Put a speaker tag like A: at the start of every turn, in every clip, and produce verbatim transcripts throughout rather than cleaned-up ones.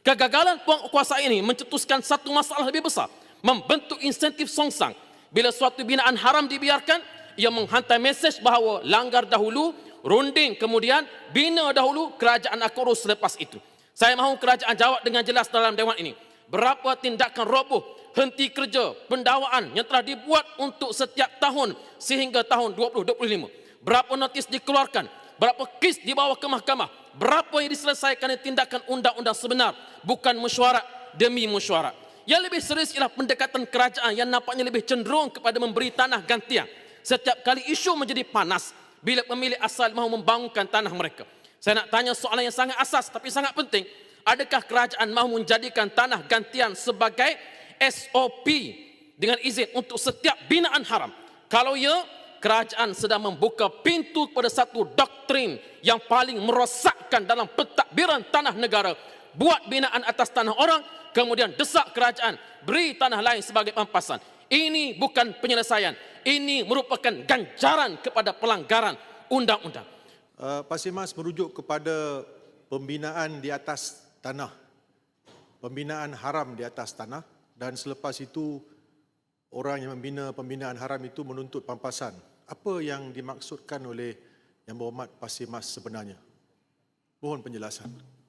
A: Kegagalan penguasaan ini mencetuskan satu masalah lebih besar, membentuk insentif songsang. Bila suatu binaan haram dibiarkan, ia menghantar mesej bahawa langgar dahulu, runding kemudian, bina dahulu, kerajaan akan urus selepas itu. Saya mahu kerajaan jawab dengan jelas dalam dewan ini. Berapa tindakan roboh, henti kerja, pendawaan yang telah dibuat untuk setiap tahun sehingga tahun dua ribu dua puluh lima. Berapa notis dikeluarkan, berapa kes dibawa ke mahkamah, berapa yang diselesaikan dengan tindakan undang-undang sebenar, bukan mesyuarat demi mesyuarat. Yang lebih serius ialah pendekatan kerajaan yang nampaknya lebih cenderung kepada memberi tanah gantian. Setiap kali isu menjadi panas bila pemilik asal mahu membangunkan tanah mereka. Saya nak tanya soalan yang sangat asas tapi sangat penting. Adakah kerajaan mahu menjadikan tanah gantian sebagai S O P dengan izin untuk setiap binaan haram? Kalau ya, kerajaan sedang membuka pintu kepada satu doktrin yang paling merosakkan dalam pentadbiran tanah negara. Buat binaan atas tanah orang, kemudian desak kerajaan beri tanah lain sebagai pampasan. Ini bukan penyelesaian. Ini merupakan ganjaran kepada pelanggaran undang-undang.
B: Uh, Pak Simas merujuk kepada pembinaan di atas tanah. Pembinaan haram di atas tanah, dan selepas itu orang yang membina pembinaan haram itu menuntut pampasan. Apa yang dimaksudkan oleh Yang Berhormat Pak Simas sebenarnya? Mohon penjelasan.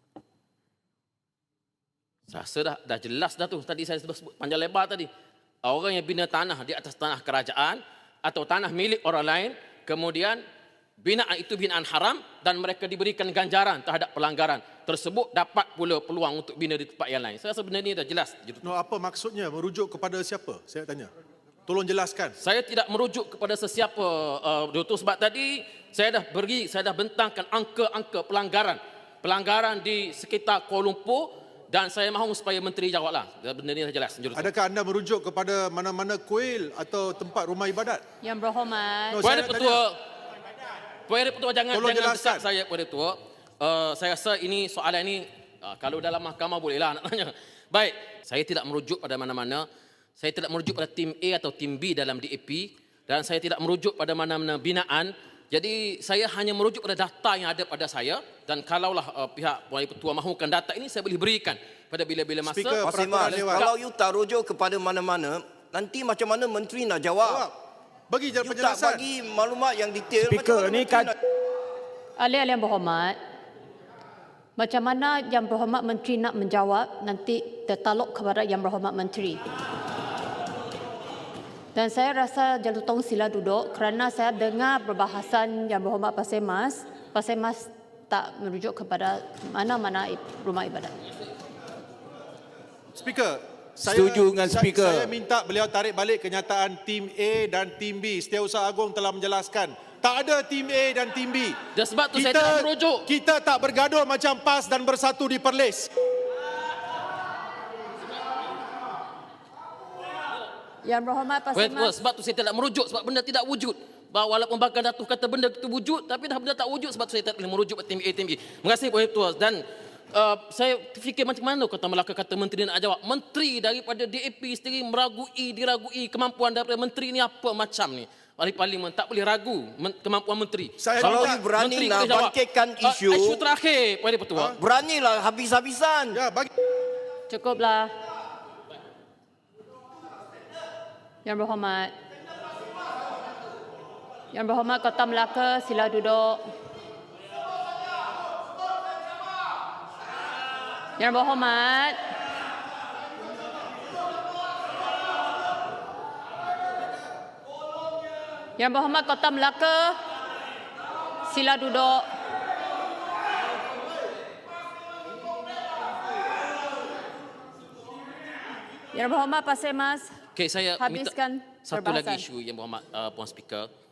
A: Saya rasa dah, dah jelas dah tu. Tadi saya sebut panjang lebar tadi. Orang yang bina tanah di atas tanah kerajaan atau tanah milik orang lain, kemudian binaan itu binaan haram dan mereka diberikan ganjaran terhadap pelanggaran tersebut, dapat pula peluang untuk bina di tempat yang lain. Saya rasa benda ini dah jelas.
B: No, apa maksudnya? Merujuk kepada siapa? Saya tanya. Tolong jelaskan.
A: Saya tidak merujuk kepada sesiapa, uh, Doktor, sebab tadi saya dah beri, saya dah bentangkan angka-angka pelanggaran. Pelanggaran di sekitar Kuala Lumpur, dan saya mahu supaya menteri jawablah. Benda ini dah jelas. Jurutu.
B: Adakah anda merujuk kepada mana-mana kuil atau tempat rumah ibadat?
C: Yang Berhormat.
B: No,
A: Puan
B: saya
A: Ketua, Puan Ketua jangan
B: Tolong
A: jangan
B: jelaskan.
A: desak saya, Puan Ketua. Uh, saya rasa ini soalan ini uh, kalau dalam mahkamah bolehlah nak tanya. Baik, saya tidak merujuk pada mana-mana. Saya tidak merujuk pada tim A atau tim B dalam D A P, dan saya tidak merujuk pada mana-mana binaan. Jadi saya hanya merujuk pada data yang ada pada saya, dan kalaulah uh, pihak Puan Ketua mahukan data ini, saya boleh berikan pada bila-bila masa.
B: Speaker,
D: Pak Simas,
B: Dewan.
D: kalau you tak rujuk kepada mana-mana, nanti macam mana menteri nak jawab?
B: Jawab. Bagi je
D: You tak
B: penjelasan.
D: bagi maklumat yang detail.
E: Speaker,
D: macam mana
E: ni
D: menteri
E: kan-
D: nak...
C: Ahli-ahli Yang Berhormat, macam mana Yang Berhormat Menteri nak menjawab nanti tertaluk kepada Yang Berhormat Menteri. Dan saya rasa Jalutong sila duduk kerana saya dengar perbahasan Yang Berhormat Pak Simas. Pak Simas tak merujuk kepada mana-mana rumah ibadat.
B: Speaker, saya,
E: Setuju dengan
B: saya-
E: speaker.
B: Saya minta beliau tarik balik kenyataan tim A dan tim B. Setiausaha Agong telah menjelaskan. Tak ada tim A dan tim B.
A: Dan sebab tu saya tidak merujuk.
B: Kita tak bergaduh macam PAS dan Bersatu di Perlis.
C: Yang Berhormat Pak
A: Puan Ketua,
C: Simas.
A: sebab tu saya tidak merujuk, sebab benda tidak wujud. Bahawa walaupun Bakar Datuk kata benda itu wujud, tapi dah benda tak wujud, sebab tu saya tak boleh merujuk pada tim A, tim B. Terima kasih Puan Ketua. Dan uh, saya fikir macam mana kata Melaka kata menteri nak jawab. Menteri daripada D A P sendiri meragui, diragui kemampuan daripada menteri ni apa macam ni. Ahli Parlimen tak boleh ragu men- kemampuan menteri.
B: Saya
D: Kalau
B: minta-
D: you berani
A: Menteri
D: nak
A: boleh jawab.
D: bangkitkan
A: Uh,
D: isu,
A: isu terakhir Puan Ketua.
D: beranilah habis-habisan.
B: Ya, bagi.
C: Cukuplah. Yang Berhormat. Yang Berhormat Kota Melaka, sila duduk. Yang Berhormat. Yang Berhormat Kota Melaka, sila duduk. Yang Berhormat Pak Simas.
A: Okey, saya minta
C: Habiskan
A: satu
C: perbahasan.
A: lagi isu Yang Berhormat uh, Puan Speaker.